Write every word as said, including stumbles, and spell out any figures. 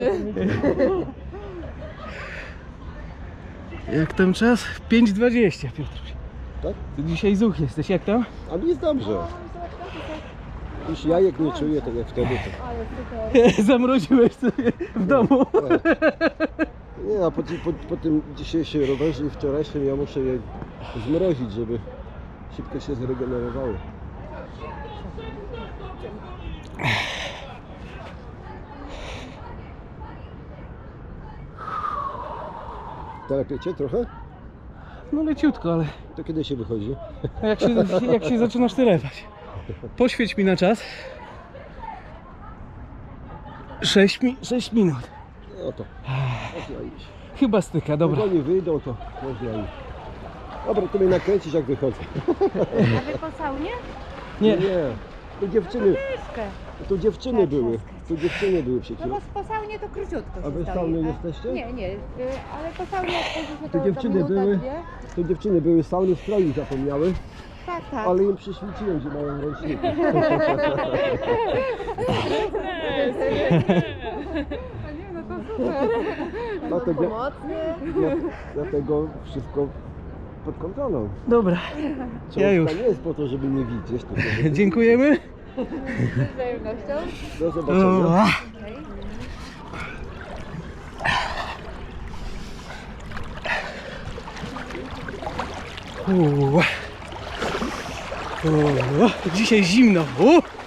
Jak tam czas? pięć dwadzieścia, Piotr. Tak? Ty dzisiaj zuch jesteś, jak tam? A mi jest dobrze. Już jajek nie czuję, tak jak wtedy. To... Zamroziłeś sobie w domu. Nie, a po, po, po tym dzisiejszym rowerze i wczorajszym ja muszę je zmrozić, żeby szybko się zregenerowały. Tak, wiecie, trochę? No leciutko, ale To kiedy się wychodzi? jak się, jak się zaczynasz telepać? Poświeć mi na czas. sześć mi, sześć minut. No to można iść. Chyba styka, dobra. Jak oni wyjdą, to można iść. Dobra, to mnie nakręcisz, jak wychodzę. A wy po saunie? Nie, Nie, to dziewczyny, Myszkę. to dziewczyny były. To dziewczyny były przed No chwilą. bo po saunie to króciutko A się wy stoi, sauny a- jesteście? Nie, nie, y, ale po saunie jak chodzi się To to dziewczyny to minuta, były. dwie. To dziewczyny były sauny stroju zapomniały, Tak, tak. ale im przyświeciłem, że mają ręczniki. No to super. Dlatego, Pomocny. ja, dlatego wszystko pod kontrolą. dobra. Książka Ja już. nie jest po to, żeby nie widzieć, tylko żeby... Dziękujemy. Z wzajemnością. Do zobaczenia. O, u, u, dzisiaj zimno. U.